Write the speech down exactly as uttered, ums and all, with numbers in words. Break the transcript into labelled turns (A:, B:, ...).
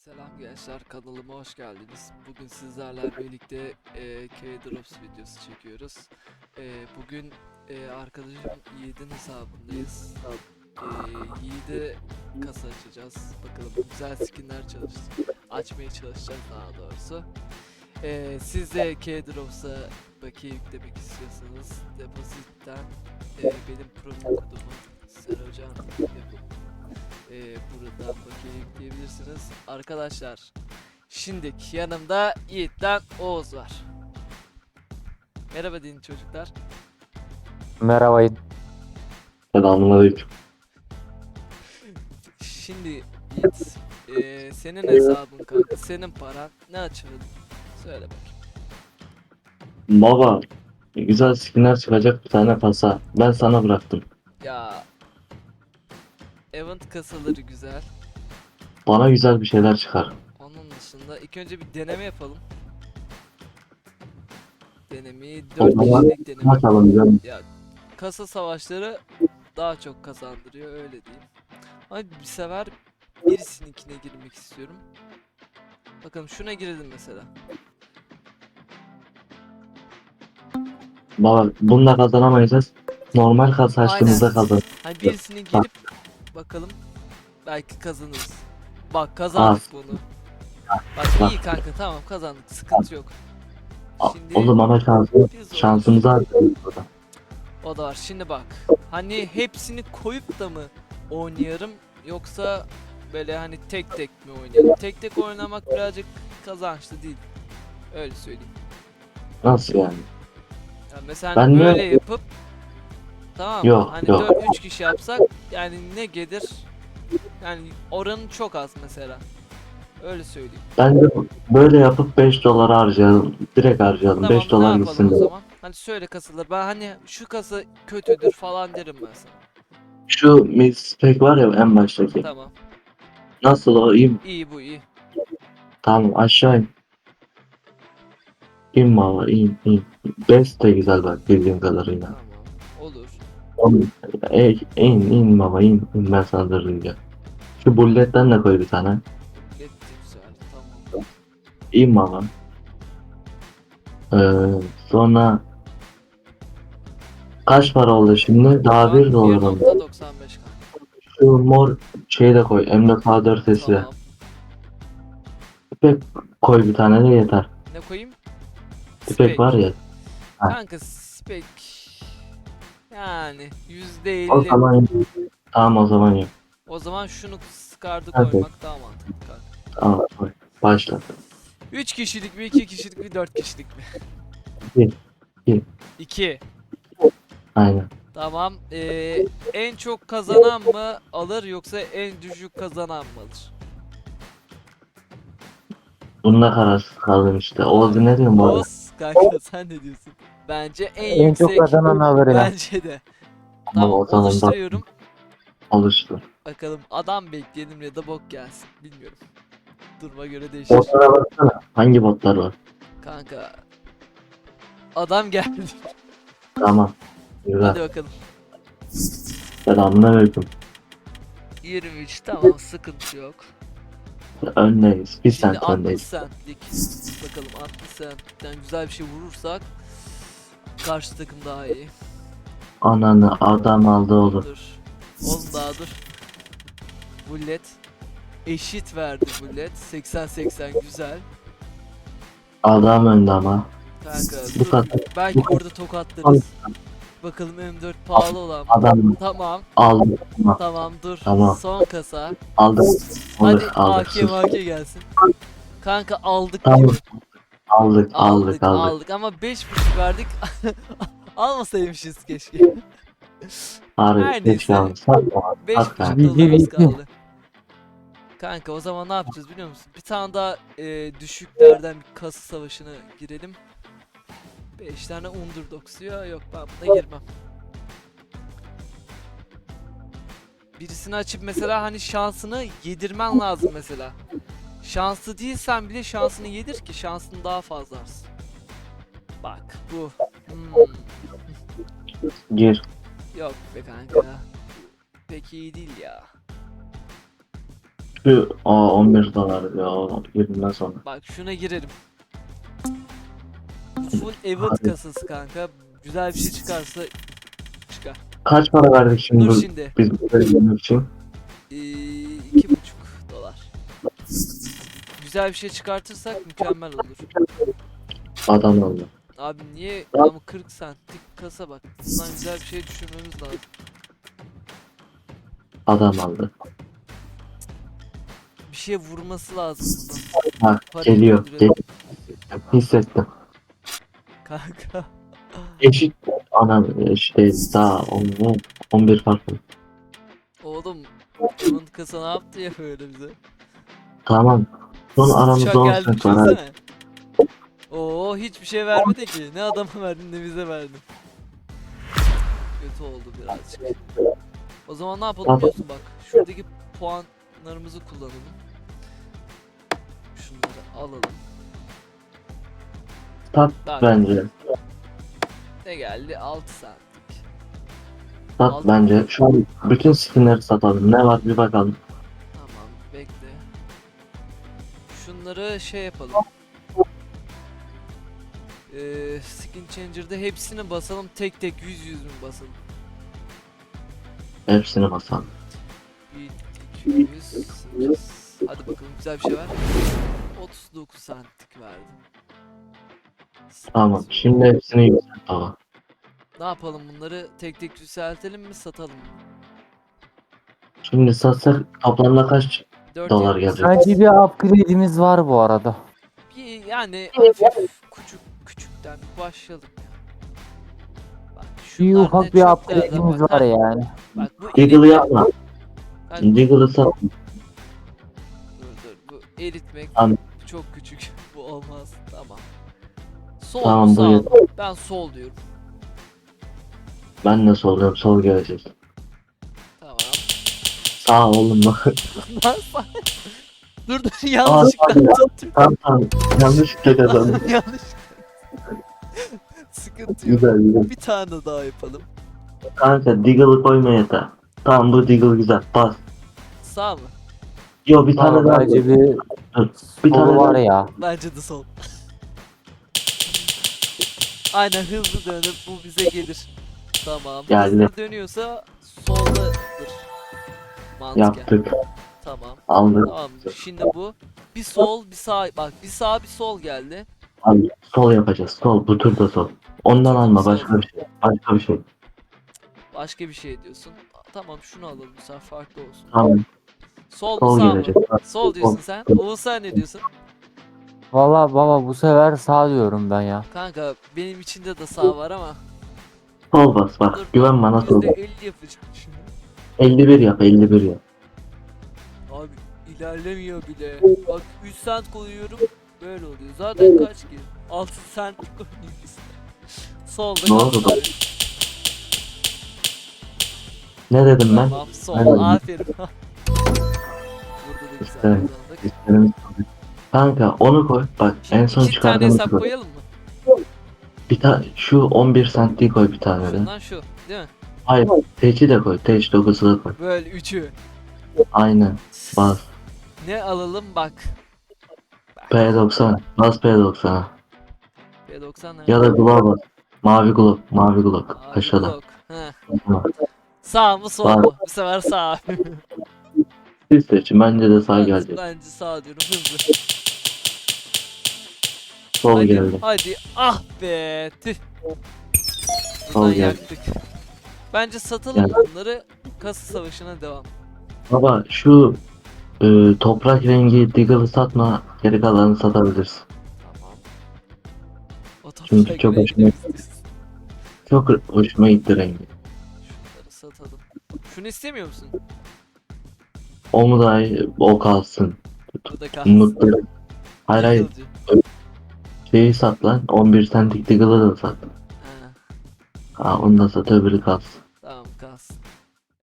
A: Selam gençler, kanalıma hoş geldiniz. Bugün sizlerle birlikte e, K-Drops videosu çekiyoruz. E, bugün e, arkadaşım Yiğit'in hesabındayız. E, Yiğit'e kasa açacağız. Bakalım güzel skinler çalış açmaya çalışacağız daha doğrusu. E, siz de K-Drops'a bakiye yüklemek istiyorsanız depozitten e, benim promo kodumu Serocan yapıp e, buradan bakiye yükleyebilirsiniz. Arkadaşlar şimdi yanımda Yiğit'ten Oğuz var. Merhaba deyin çocuklar.
B: Merhaba.
C: Selamünaleyküm.
A: Şimdi Yiğit, e, senin hesabın kanka, senin paran, ne açalım? Söyle bakayım.
C: Baba, güzel skinler çıkacak bir tane kasa. Ben sana bıraktım.
A: Ya event kasaları güzel.
C: Bana güzel bir şeyler çıkar.
A: Onun dışında ilk önce bir deneme yapalım. Denemeyi
C: O
A: dört
C: zaman
A: kişilik deneme.
C: açalım canım.
A: Ya kasa savaşları daha çok kazandırıyor, öyle diyeyim. Ama bir sefer birisininkine girmek istiyorum. Bakalım şuna girelim mesela.
C: Baba, bununla kazanamayacağız. Normal kasa açtığımızda
A: Aynen.
C: kazan.
A: Hani birisini girip bakalım, belki kazanırız. Bak kazandık
C: Az.
A: bunu. Bak
C: Bak.
A: iyi kanka, tamam kazandık, sıkıntı yok.
C: A-
A: Şimdi
C: O zaman şansımız,
A: biz
C: şansımızı harcayalım burada.
A: o da var. Şimdi bak. Hani hepsini koyup da mı oynayarım, yoksa böyle hani tek tek mi oynayalım? Tek tek oynamak birazcık kazançlı değil. Öyle söyleyeyim.
C: Nasıl yani?
A: Ya mesela
C: Ben
A: hani
C: de-
A: böyle yapıp, tamam mı?
C: Yok,
A: Hani
C: yok.
A: dört üç kişi yapsak yani ne gelir? Yani oranı çok az mesela. Öyle söyleyeyim.
C: Bence böyle yapıp beş dolar harcayalım. Direkt harcayalım.
A: Tamam,
C: beş
A: ne
C: dolar
A: yapalım
C: gitsin
A: o
C: de.
A: zaman? Hani söyle kasalar. Ben hani şu kasa kötüdür falan derim ben sana.
C: Şu mispek var ya en baştaki.
A: Tamam.
C: Nasıl o? İyi mi?
A: İyi, bu iyi.
C: Tamam, aşağı in. İn baba, in in. Best de güzel bak bildiğim kadarıyla.
A: Tamam. Olur.
C: Oğlum, ey, in in baba, in in ben sana durdurunca. Şu bulletten de koy bir tane.
A: Etti güzel. Tamam.
C: İn baba. Ee, sonra kaç para oldu şimdi?
A: Şu
C: Daha
A: an
C: bir dolar oldu.
A: bir nokta doksan beş kanka.
C: Şu mor şeyi de koy. M dört A dört sesi de.
A: Tamam.
C: İpek koy bir tane de yeter.
A: Ne koyayım?
C: İpek var ya. Ha.
A: Kanka spek. Yani yüzde
C: O
A: elli.
C: zaman tamam, o zaman yok.
A: O zaman şunu skardı
C: Hadi.
A: koymak daha mantıklı kanka.
C: Tamam, koy. Başla.
A: üç kişilik mi, iki kişilik mi, dört kişilik mi?
C: Bir.
A: iki.
C: Aynen.
A: Tamam. Ee, en çok kazanan mı alır, yoksa en düşük kazanan mı alır?
C: Bununla kararsız kaldım işte. Oğuz ne diyorsun bu arada?
A: Oğuz kanka, sen ne diyorsun? Bence en,
B: En
A: yüksek.
B: çok kazanan alır ya.
A: Bence de. Tamam,
C: O zaman bak,
A: oluşturuyorum.
C: oluştu.
A: Bakalım adam bekleyelim ya da bok gelsin. Bilmiyorum. Duruma göre değişir.
C: Botlara baksana. Hangi botlar var?
A: Kanka. Adam geldi.
C: Tamam. Güzel.
A: Hadi bakalım.
C: Selamünaleyküm.
A: yirmi üç, tamam, sıkıntı yok.
C: Öndeyiz. Bir
A: Şimdi
C: sent
A: altmış
C: öndeyiz.
A: centlik. Bakalım altmış centlikten güzel bir şey vurursak karşı takım daha iyi.
C: Ananı adam aldı oğlum.
A: Dur. Oğlum daha dur. Bullet. Eşit verdi bullet. seksen seksen güzel.
C: Adam önde ama.
A: Kanka
C: Bu
A: dur.
C: kadar.
A: Belki
C: bu kadar.
A: orada tokatlarız. Bakalım M dört pahalı olan.
C: Adam
A: Tamam.
C: aldı. Tamam.
A: Tamam dur.
C: Tamam.
A: Son kasa.
C: Aldı.
A: Hadi
C: Aldık aldık.
A: A K
C: Sus.
A: M A K gelsin. Kanka aldık
C: Tamam.
A: gibi.
C: Aldık aldık
A: Aldık
C: aldık.
A: aldık ama beş buçuk verdik. Almasaymışız keşke.
C: Harbi
A: Her
C: hiç
A: neyse.
C: kalmadı. Sat bana.
A: beş
C: At
A: buçuk
C: kanka.
A: dolarımız kaldı. Kanka o zaman ne yapacağız biliyor musun? Bir tane daha e, düşüklerden bir kasa savaşına girelim. beş tane underdog diyor. Yok, ben buna girmem. Birisini açıp mesela hani şansını yedirmen lazım mesela. Şanslı değilsen bile şansını yedir ki şansını daha fazla artsın. Bak bu. Hmm.
C: Gir.
A: Yok be kanka. Pek iyi değil ya.
C: Şu aa on bir dolar ya. Girmez sonra.
A: Bak şuna girelim. Bu full event
C: Abi.
A: kasası kanka. Güzel bir şey çıkarsa çıkar.
C: Kaç para verdik şimdi
A: Dur
C: bu-
A: şimdi.
C: biz bu bölümü için?
A: Ee, iki buçuk dolar. Güzel bir şey çıkartırsak mükemmel olur.
C: Adam oldu.
A: Abi niye ama kırk centlik kasa bak. Bundan güzel bir şey düşünmemiz lazım.
C: Adam aldı.
A: Bir şeye vurması lazım bundan.
C: Ha
A: Parayı
C: geliyor.
A: öldürelim.
C: geliyor. Hissettim.
A: Kanka.
C: Eşit. Ana eşit değil. Daha on, on bir farklı.
A: Oğlum event kasa ne yaptı ya böyle bize?
C: Tamam. Son aramızda
A: Uçak
C: on
A: geldi
C: cent var. hadi.
A: düşünsene. Oo hiçbir şey vermedi ki. Ne adama verdin ne bize verdin. Kötü oldu birazcık. O zaman ne yapalım biliyorsun bak. Şuradaki puanlarımızı kullanalım. Şunları alalım.
C: Sat
A: Bak
C: bence.
A: ne geldi? altı centlik.
C: Sat
A: Aldım.
C: bence. Şu an bütün skinleri satalım. Ne var bir bakalım.
A: Tamam bekle. Şunları şey yapalım. Ee, skin changer'da hepsini basalım tek tek yüz yüz mü basalım?
C: Hepsini basalım.
A: bir, iki yüz, sekiz. Hadi bakalım güzel bir şey ver. otuz dokuz centlik verdim.
C: Tamam. Şimdi hepsini yükselt baba.
A: Ne yapalım bunları tek tek yükseltelim mi satalım mı?
C: Şimdi satsak toplamda kaç
A: dört
C: dolar
A: yetmiş
C: gelecek?
B: Bence bir upgrade'imiz var bu arada.
A: Bir yani hafif küçük küçükten başlayalım ya. Bak
B: Bir
A: şunlar
B: ufak
A: ne
B: bir
A: çok değerli
B: upgrade'imiz
A: bak.
B: var
A: Ha,
B: yani.
A: bak bu
C: Diggle'ı
A: eritmek.
C: yapma.
A: Bak bu-
C: Diggle'ı sat.
A: Dur dur bu eritmek
C: Tamam.
A: çok küçük. Bu olmaz. Tamam. Sol
C: Tamam,
A: mu
C: bu
A: sağ mı?
C: yeter.
A: Ben sol diyorum.
C: Ben de soruyorum. Sol gelecek.
A: Tamam.
C: Sağ oğlum bak.
A: Lan sağ. Dur dur yanlışlıkla
C: hadi ya.
A: tuttum.
C: Tamam tamam. Yanlışlıkla kazandım.
A: Yanlış. Sıkıntı yok.
C: Güzel güzel.
A: Bir tane daha yapalım.
C: Kanka Diggle'ı koyma yeter. Tamam bu Diggle güzel. Bas.
A: Sağ mı?
C: Yo bir tane
B: Ama
C: daha.
B: bence bir
C: Bir
B: solu
C: tane
B: var
C: daha.
B: ya.
A: Bence de sol. Aynen hızlı dönüp bu bize gelir. Tamam.
C: Geldi.
A: Hızlı dönüyorsa soldadır. Mantıken.
C: Yaptık.
A: Tamam.
C: Aldık.
A: Tamam. Şimdi bu. Bir sol, bir sağ. Bak bir sağ, bir sol geldi.
C: Abi, sol yapacağız. Sol. Bu turda sol. Ondan
A: turda
C: alma.
A: sol.
C: Başka bir şey. Başka bir şey.
A: Başka bir şey diyorsun. Tamam şunu alalım bu sefer farklı olsun.
C: Tamam.
A: Sol mu
C: Sol
A: sağ mı?
C: gelecek.
A: Sol diyorsun
C: Sol.
A: sen. Oğuz sen ne diyorsun?
B: Valla baba bu sefer sağ diyorum ben ya.
A: Kanka benim içinde de sağ var ama.
C: Sol bas bak.
A: Dur,
C: Güven bana sol.
A: yüzde elli yapacağım şimdi.
C: elli bir yap. elli bir yap.
A: Abi ilerlemiyor bile. Bak üç cent koyuyorum. Böyle oluyor. Zaten kaç ki? altı cent koyuyoruz. Solda
C: Ne oldu
A: kaldı.
C: da? Ne dedim ben?
A: Tamam sol.
C: Ben-
A: Aferin. Burada da güzel
C: İşte.
A: kazandık.
C: İsterim. Kanka onu koy. Bak en
A: Şimdi
C: son
A: iki tane
C: çıkardığımız
A: hesap
C: koy.
A: koyalım mı?
C: Bir tane şu on bir centliği koy bir tane de.
A: Şundan şu. Değil mi?
C: Hayır. Teç'i de koy. Teç dokuzu da koy.
A: Böyle üçü.
C: Aynen. Bas.
A: Ne alalım bak.
C: P doksan. Bas P doksan'a.
A: P doksan ne?
C: Ya da glove bas. Mavi glove. Mavi glove.
A: Abi,
C: Aşağıda.
A: blok. Heh.
C: Tamam.
A: Sağ mı sol
C: Var.
A: mu? Bu sefer sağ.
C: Siz seçin. Bence de sağ
A: Ben-
C: gelecek.
A: Bence sağ diyorum hızlı.
C: Sol
A: Hadi,
C: geldi.
A: hadi. Ah be. Tüh.
C: Sol
A: Buradan
C: geldi.
A: yaktık. Bence satalım
C: Geldi.
A: bunları. Kasa savaşına devam.
C: Baba şu e, toprak rengi Diggle'ı satma. Geri kalanını satabilirsin.
A: Tamam. O
C: Çünkü
A: toprak
C: çok
A: renkleri
C: hoşuma-
A: istiyorsun.
C: Çok hoşuma gitti rengi.
A: Şunları satalım. Şunu istemiyor musun?
C: O mu daha iyi? O kalsın.
A: Bu da kalsın.
C: Mutlu. Hayır hayır.
A: Yıkılcı.
C: Şeyi sat lan. on bir centlik Diggle'ı da sat.
A: Ha.
C: Ha onu da sat öbürü kalsın.